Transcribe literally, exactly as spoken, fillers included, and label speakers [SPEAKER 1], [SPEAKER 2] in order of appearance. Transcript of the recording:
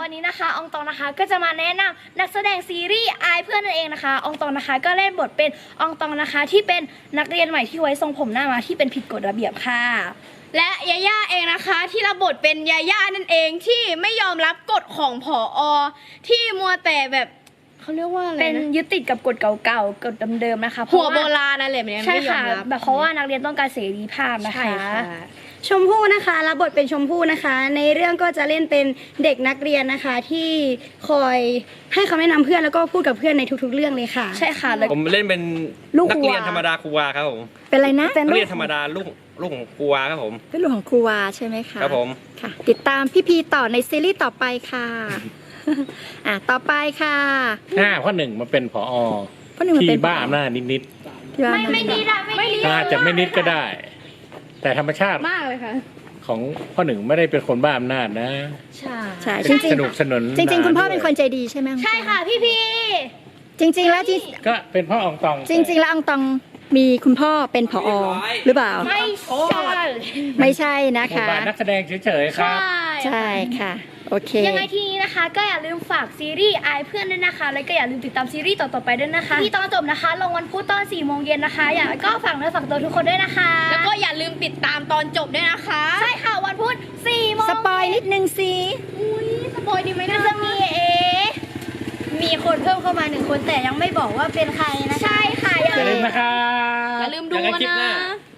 [SPEAKER 1] วันนี้นะคะอองตองนะคะก็จะมาแนะนำนักแสดงซีรีส์อายเพื่อนนั่นเองนะคะอองตองนะคะก็เล่นบทเป็นอองตองนะคะที่เป็นนักเรียนใหม่ที่ไว้ทรงผมหน้ามาที่เป็นผิดกฎระเบียบค่ะ
[SPEAKER 2] และยาย่าเองนะคะที่รับบทเป็นยาย่านั่นเองที่ไม่ยอมรับกฎของผอ.ที่มัวแต่แบบเขาเรียกว่าอะไรนะ
[SPEAKER 1] เป็นยึดติดกับกฎเก่าๆกฎเดิมๆนะคะ
[SPEAKER 2] หัวโบราณนั่นแหละมัน
[SPEAKER 1] ใช่
[SPEAKER 2] ไม่ยอ
[SPEAKER 1] ค่ะ
[SPEAKER 2] มรับ
[SPEAKER 1] แบบเพราะว่านักเรียนต้องการเสรีภาพนะคะ
[SPEAKER 2] ใช่ค่ะ
[SPEAKER 3] ชมพู่นะคะรับบทเป็นชมพู่นะคะ ในเรื่องก็จะเล่นเป็นเด็กนักเรียนนะคะที่คอยให้คำแนะนำเพื่อนแล้วก็พูดกับเพื่อนในทุกๆเรื่องเลยค่ะ
[SPEAKER 1] ใช่ค่ะแล้ว
[SPEAKER 4] ผมเล่นเป็น
[SPEAKER 1] ลูก
[SPEAKER 4] นักเรียน
[SPEAKER 1] ครูวา
[SPEAKER 4] ธรรมดาครูวาครับผม
[SPEAKER 5] เป็นอะไรนะ
[SPEAKER 1] เป็น
[SPEAKER 4] นัก
[SPEAKER 1] ลู
[SPEAKER 4] เรีย
[SPEAKER 1] ก
[SPEAKER 4] นธรรมดาลูกลูกของครูวาครับผม
[SPEAKER 5] เป็นลูกของครูวาใช่ไหมคะ
[SPEAKER 4] ครับผม
[SPEAKER 5] ค่ะ ติดตามพี่พีต่อในซีรีส์ต่อไปค่ะ อ่ะต่อไปค่ะ
[SPEAKER 6] ห้าข้อหนึ่งมาเป็นผอ
[SPEAKER 5] เพราะหนึ่งมัน
[SPEAKER 6] ที่
[SPEAKER 5] เป็น
[SPEAKER 6] บ้าอำนาจนิด
[SPEAKER 5] ที่บ้า
[SPEAKER 1] ไม่ไม่ดีละไม่ดี
[SPEAKER 6] ๆอาจจะไม่นิดก็ได้ แต่ธรรมชาติ
[SPEAKER 2] มากเลยค่ะ
[SPEAKER 6] ของพ่อหนึ่งไม่ได้เป็นคนบ้าอำนาจนะ
[SPEAKER 1] ใช่
[SPEAKER 5] ใช่จริง
[SPEAKER 6] สนุกสนุน
[SPEAKER 5] ๆจริง ๆ คุณพ่อเป็นคนใจดีใช่ไหม
[SPEAKER 1] ใช่ค่ะพี่พี
[SPEAKER 5] จริง ๆ แล้วจริง
[SPEAKER 6] ก็เป็นพ่ออองตอง
[SPEAKER 5] จริง ๆ แล้วอองตองมีคุณพ่อเป็นผอ หรือเปล่า
[SPEAKER 1] ไม่ใช่
[SPEAKER 5] ไม่ใช่นะ
[SPEAKER 6] บท
[SPEAKER 5] คะ
[SPEAKER 6] บาทนักแสดงเฉยๆค
[SPEAKER 1] ใช่
[SPEAKER 6] รับ
[SPEAKER 5] ใช่ค่ะ โอเค
[SPEAKER 1] ยังไงทีนี้นะคะ ก็อย่าลืมฝากซีรีส์อายเพื่อนด้วยนะคะ แล้วก็อย่าลืมติดตามซีรีส์ต่อๆไปด้วยนะคะที่ตอนจบนะคะลงวันพุธตอนสี่โมงเย็นนะคะ อย่าก็ฝากเนื้อฝากตัวทุกคนด้วยนะคะ
[SPEAKER 2] แล้วก็อย่าลืมติดตามตอนจบด้วยนะคะ
[SPEAKER 1] ใช่ค่ะวันพุธสี่โมง
[SPEAKER 5] สปอยนิดนึงสิ
[SPEAKER 1] อุ้ยสปอยดีไหมนะจะมีเอ
[SPEAKER 3] มีคนเพิ่มเข้ามาหนึ่งคนแต่ยังไม่บอกว่าเป็นใครนะคะ
[SPEAKER 1] ใช่ค่ะอย่า
[SPEAKER 6] อย่า
[SPEAKER 1] ลื
[SPEAKER 6] ลื
[SPEAKER 1] ม
[SPEAKER 6] มนะครับ
[SPEAKER 2] อย่าลืมดู
[SPEAKER 4] เจอกันคลิปห
[SPEAKER 2] นะ
[SPEAKER 4] น้า